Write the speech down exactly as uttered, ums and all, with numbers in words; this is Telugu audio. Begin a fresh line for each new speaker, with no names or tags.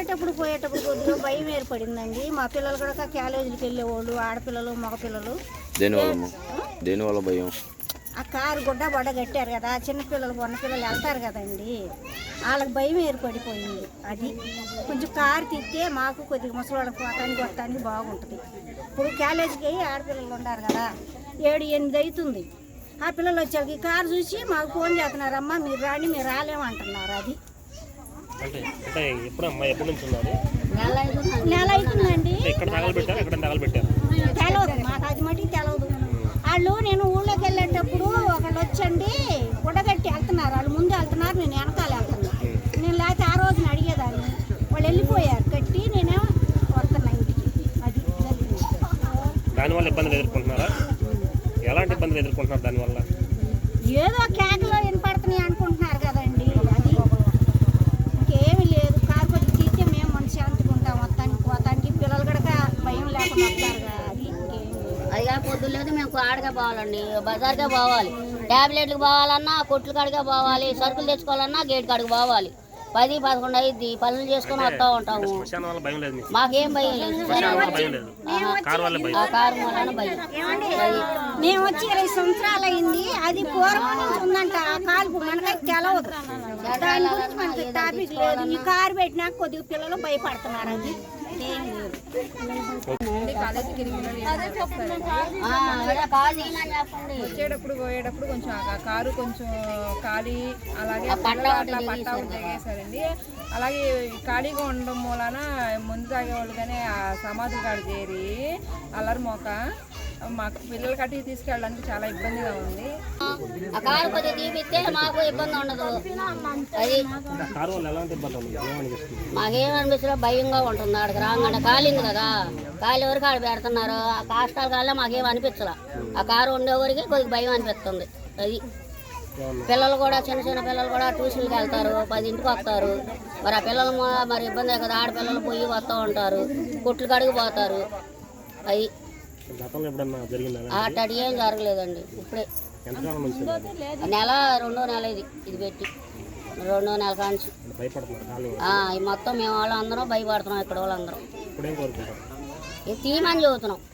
వచ్చేటప్పుడు పోయేటప్పుడు కొద్దిగా భయం ఏర్పడిందండి. మా పిల్లలు కూడా కాలేజీకి వెళ్ళేవాళ్ళు, ఆడపిల్లలు మగపిల్లలు.
దేనివల్ల దేనివల్ల భయం?
ఆ కారు గుడ్డ బొడ్డ కట్టారు కదా, చిన్నపిల్లలు మొన్న పిల్లలు వెళ్తారు కదండి, వాళ్ళకి భయం ఏర్పడిపోయింది. అది కొంచెం కారు తిస్తే మాకు కొద్దిగా ముసలివాళ్ళకి పోతానికి కొట్టడానికి బాగుంటుంది. ఇప్పుడు కాలేజీకి ఆడపిల్లలు ఉన్నారు కదా, ఏడు ఎనిమిది అవుతుంది. ఆ పిల్లలు వచ్చాక ఈ కారు చూసి మాకు ఫోన్ చేస్తున్నారమ్మా మీరు రాని మీరు రాలేమంటున్నారు. అది నెల అవుతుందండి. తెలవదు మాకు, అది మటుకు తెలవదు. వాళ్ళు నేను ఊళ్ళోకి వెళ్ళేటప్పుడు ఒకళ్ళు వచ్చండి గుడ్డగట్టి వెళ్తున్నారు, వాళ్ళు ముందు వెళ్తున్నారు, నేను వెనకాల వెళ్తున్నాను. నేను లేకపోతే ఆ రోజున అడిగేదాన్ని, వాళ్ళు వెళ్ళిపోయారు కట్టి, నేనేమో వస్తున్నా ఇంటికి. అది
దానివల్ల ఇబ్బందులు ఎదుర్కొంటున్నారా? ఎలాంటి ఇబ్బందులు ఎదుర్కొంటున్నారు దానివల్ల?
ఏదో కేకలో వినపడుతున్నాయి అనుకుంటున్నారు కదండి. అది ఇంకేమీ లేదు. కారు కొద్ది తీస్తే మేము మనిషి శాంతిగా మొత్తానికి పోతానికి పిల్లలు కూడా భయం లేకుండా వస్తారు కదా. అది ఇంకేమీ లేదు.
అదిగా పొద్దున్న లేదు మేము ఆడగా పోవాలండి, బజార్కే పోవాలి, ట్యాబ్లెట్లకు పోవాలన్నా కొట్లు కాడికే పోవాలి, సరుకులు తెచ్చుకోవాలన్నా గేట్ కాడికి పోవాలి. పది పదకొండు అయింది, పనులు చేసుకుని వస్తూ ఉంటాము. మాకేం భయం లేదు. ఆ కారు వలన భయం.
మేము వచ్చి ఇరవై సంవత్సరాలు అయింది. అది పూర్వం నుంచి ఉందంట ఆ కాలుపు, మనకైతే తెలవదు. దాని గురించి మనకి టాపిక్ లేదు. ఈ కారు పెట్టినాక కొద్దిగా పిల్లలు భయపడుతున్నారు. అది ఏం లేదు.
వచ్చేటప్పుడు పోయేటప్పుడు కొంచెం కారు కొంచెం ఖాళీ, అలాగే అట్లా పట్టా తెగేశారండి. అలాగే ఖాళీగా ఉండడం మూలన ముందు తాగేవాళ్ళు కానీ ఆ సమాధి కాడ చేరి అల్లరి మోక మాకు పిల్లలు కట్టి తీసుకెళ్ళడానికి చాలా ఇబ్బందిగా ఉంది.
ఆ కారు కొద్దిగా తీపిస్తే మాకు ఇబ్బంది ఉండదు. అది మాకేమనిపిస్తుందో భయంగా ఉంటుంది. ఆడికి రాగానే కాలింది కదా, కాలి వరకు ఆడ పెడుతున్నారు. ఆ కాష్టాల కాళ్ళ మాకేం అనిపించలే. ఆ కారు ఉండేవరికి కొద్దిగా భయం అనిపిస్తుంది. అది పిల్లలు కూడా చిన్న చిన్న పిల్లలు కూడా ట్యూషన్కి వెళ్తారు, పదింటికి వస్తారు. మరి ఆ పిల్లలు మరి ఇబ్బంది కదా, ఆడపిల్లలు పోయి వస్తూ ఉంటారు, కొట్లు కడిగి పోతారు. అది అట్టడి ఏం జరగలేదండి. ఇప్పుడే నెల రెండో నెల ఇది ఇది పెట్టి రెండో నెల కాంచి మొత్తం మేము వాళ్ళు అందరం భయపడుతున్నాం. ఇక్కడ వాళ్ళందరం ఇది తీయమని చెబుతున్నాం.